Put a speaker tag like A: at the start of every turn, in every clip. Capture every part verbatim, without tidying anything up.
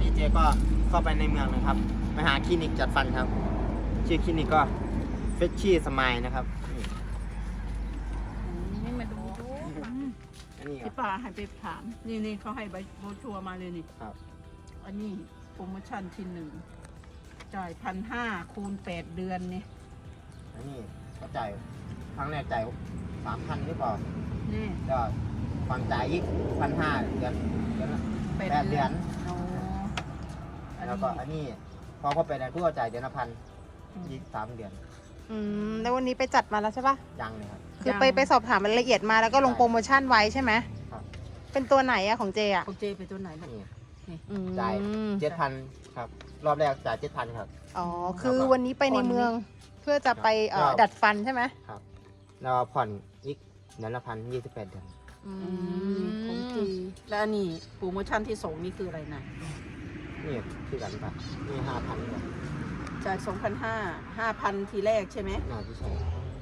A: เจก็เข้าไปในเมืองนะครับไปหาคลินิกจัดฟันครับชื่อคลินิกก็เฟชชี่สมายนะครับ
B: นี่มาดูดู
A: อันนี้ครั
B: ที่
A: บ
B: ป้าให้ไปถาม นี่นี่เขาให้ใบโบชัวร์มาเลยนี่
A: ครับ
B: อันนี้โปรโมชั่นที่หนึ่งจ่ายพันห้าคูณแปดเดือนนี่
A: อันนี้ก็จ่ายครั้งแรกจ่ายสามพันหรือเปล่า
B: นี่
A: ก็ผ่อนจ่ายอีกพันห้าเดือนเดือนละ
B: แปด
A: แปดเดือน
B: โอ้อัน
A: แล้ว
B: นี้
A: ก็อันนี้พอเข้าไปในผู้ก็จ่ายเดือนละพันอีกสามเดือน
C: อืมแล้ววันนี้ไปจัดมาแล้วใช่ปะ
A: ยังเลยครับ
C: คือไปไปสอบถามรายละเอียดมาแล้วก็ลงโปรโมชั่นไว้ใช่ไหม
A: ครับ
C: เป็นตัวไหนอะของเจอะ
B: ของเจไปตัวไหนลูก
A: นี่
C: อืม
A: จ่ายเจ็ดพันครับรอบแรกจ่ายเจ็ดพันครับ
C: อ๋อคือวันนี้ไปในเมืองเพื่อจะไปเอ่อ
A: ครับ
C: ดัดฟันใช่ไหม
A: ครับแล้วผ่อนอีกเดือนละพันยี่สิบแปดเดือน
C: อื
B: อืมของเจ
C: ม
B: แล้วอันนี้โปรโมชั่นที่สองนี่คืออะไรนะ
A: นี่คือกันปะนี่ห้าพันเลย
B: จ่ายสองพันห้าห้าพันทีแรกใช่ไหม
A: น่าที่ใช่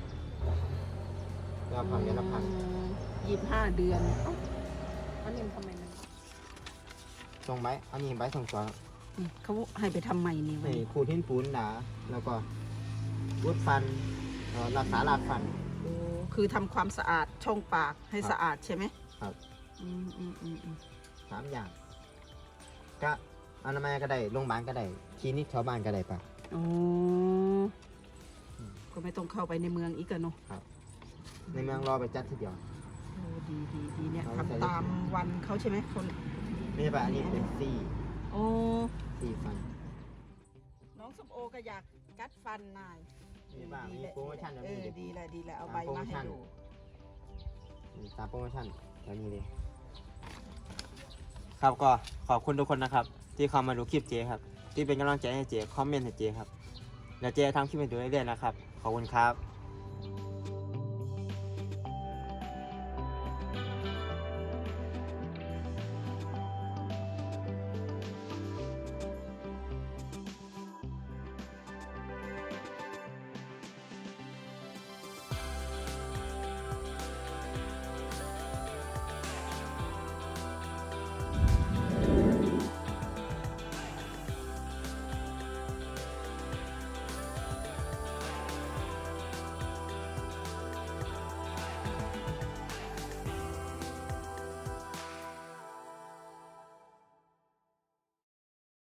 A: แล้วผ่อนเดือนละพัน
B: ยี่สิบห้าเดือนเอ้าอันนี้มันทำไมมัน
A: ส่งใบอันนี้ใบส่งตัว
B: นี่เขาให้ไปทำใหม่นี่วัน
A: นี่
B: นี้
A: ขูดหินปูนหนาแล้วก็วุดฟันเอ่อรักษารากฟัน
B: โอ้คือทำความสะอาดช่องปากให้
A: ครับ
B: สะอาดใช่ไหม
A: ครับ
B: อืมอืมอืมอืม
A: สามอย่าง ก็อนามัยก็ได้โรงพยาบาลก็ได้คลินิกชาวบ้านก็ได้ปะ
B: โอ้ก็ไม่ต้องเข้าไปในเมืองอีกกันเนาะ
A: ในเมืองรอไปจัดทีเดียว
B: โอ้ดีดีดีเนี่ย
A: เราใช้
B: ทำตามวันเขาใช่ไหมคน
A: ไม่ใช่ปะอันนี้เป็นซี่
B: โอ้
A: ซี่ฟัน
B: น้องสมโอก็อยากกัดฟันนาย
A: มีบ้างมีโปรโมชั่นแบบ
B: เอ
A: นี้
B: อดีแหละดีแหละเอา
A: ตาม
B: ใบ
A: โปรโม
B: มาให้
A: ชั่น
B: ดู
A: นี่ตามโปรโมชั่นแบบนี้เลย ครับก็ขอบคุณทุกคนนะครับ ที่เข้ามาดูคลิปเจครับ ที่เป็นกำลังใจให้เจคอมเมนต์ให้เจครับแล้วเจทำคลิปให้ดูเรื่อยๆนะครับ ขอบคุณครับ